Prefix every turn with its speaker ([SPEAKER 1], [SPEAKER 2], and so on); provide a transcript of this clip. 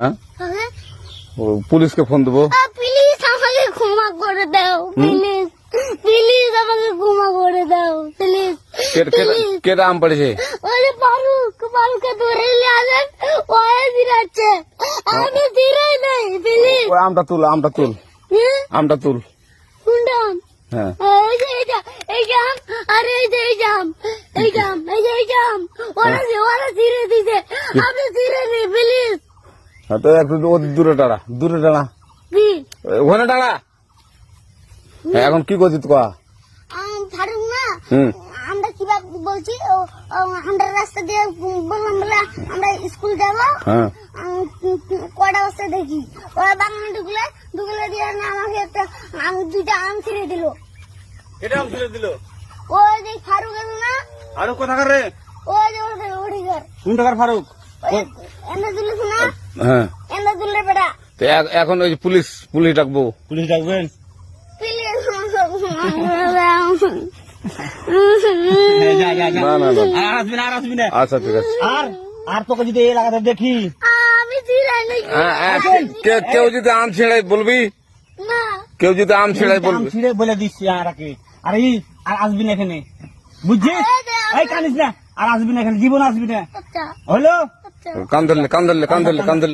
[SPEAKER 1] হ্যাঁ?
[SPEAKER 2] হ্যাঁ?
[SPEAKER 1] ও, পুলিশকে ফোন দেবো।
[SPEAKER 2] প্লিজ আমাকে ক্ষমা করে দাও, প্লিজ প্লিজ আমাকে ক্ষমা করে দাও, প্লিজ
[SPEAKER 1] কেটা আম পড়েছে?
[SPEAKER 2] ওই ফারুককে ধরে নিয়ে আসেন, ওই দিরাচ্ছে, আমি দিরাই নাই, প্লিজ।
[SPEAKER 1] ওই আমটা তুল, আমটা তুল, আমটা তুল।
[SPEAKER 2] কোনটা আম?
[SPEAKER 1] হ্যাঁ,
[SPEAKER 2] এই যে এই জাম, আরে এই যে এই জাম, এই জাম, এই যে এই জাম, ওরা ছিঁড়ে দিছে, আপনি ছিঁড়ে নি, প্লিজ।
[SPEAKER 1] হ্যাঁ, তো একটু দূরে দাঁড়া, দূরে দাঁড়া, ওখানে দাঁড়া। হ্যাঁ, এখন কি করছিস কয়া?
[SPEAKER 2] ফারুক না,
[SPEAKER 1] হুম,
[SPEAKER 2] আমরা কিভাবে বলছি, আমরা রাস্তা দিয়ে বললাম বলে আমরা স্কুল যাবো,
[SPEAKER 1] হ্যাঁ,
[SPEAKER 2] কটা বস্তা দেখি ওরা বাগানে ঢুকলে দিয়ে না আমাকে একটা দুইটা আম ছিঁড়ে দিল।
[SPEAKER 1] এটা আম ছেড়ে দিল।
[SPEAKER 2] ওই যে ফারুক আছে না,
[SPEAKER 1] ফারুক কোথাকার রে?
[SPEAKER 2] ওই যে ওঠিকার
[SPEAKER 1] কোন টাকার ফারুক?
[SPEAKER 2] এনে দিলিস না,
[SPEAKER 1] হ্যাঁ,
[SPEAKER 2] এনে দিলে বেটা,
[SPEAKER 1] তো এখন ওই পুলিশ ডাকবো। পুলিশ ডাকবেন?
[SPEAKER 2] প্লিজ
[SPEAKER 1] না না না,
[SPEAKER 3] আর আসবি না।
[SPEAKER 1] আচ্ছা ঠিক আছে।
[SPEAKER 3] আর তোকে যদি এই লাগাতে দেখি,
[SPEAKER 2] আমি ছিঁড়াই নাকি
[SPEAKER 1] কেউ যদি আম ছেড়ে বলবি,
[SPEAKER 2] না,
[SPEAKER 1] কেউ যদি আম ছেড়ে বলবি।
[SPEAKER 3] ছিঁড়ে বলে দিচ্ছি আর আসবি না এখানে, বুঝছিস? এই কানিস না, আর আসবি না এখানে, জীবন আসবি না,
[SPEAKER 2] আচ্ছা
[SPEAKER 3] হলো?
[SPEAKER 2] আচ্ছা।
[SPEAKER 1] কান ধরলে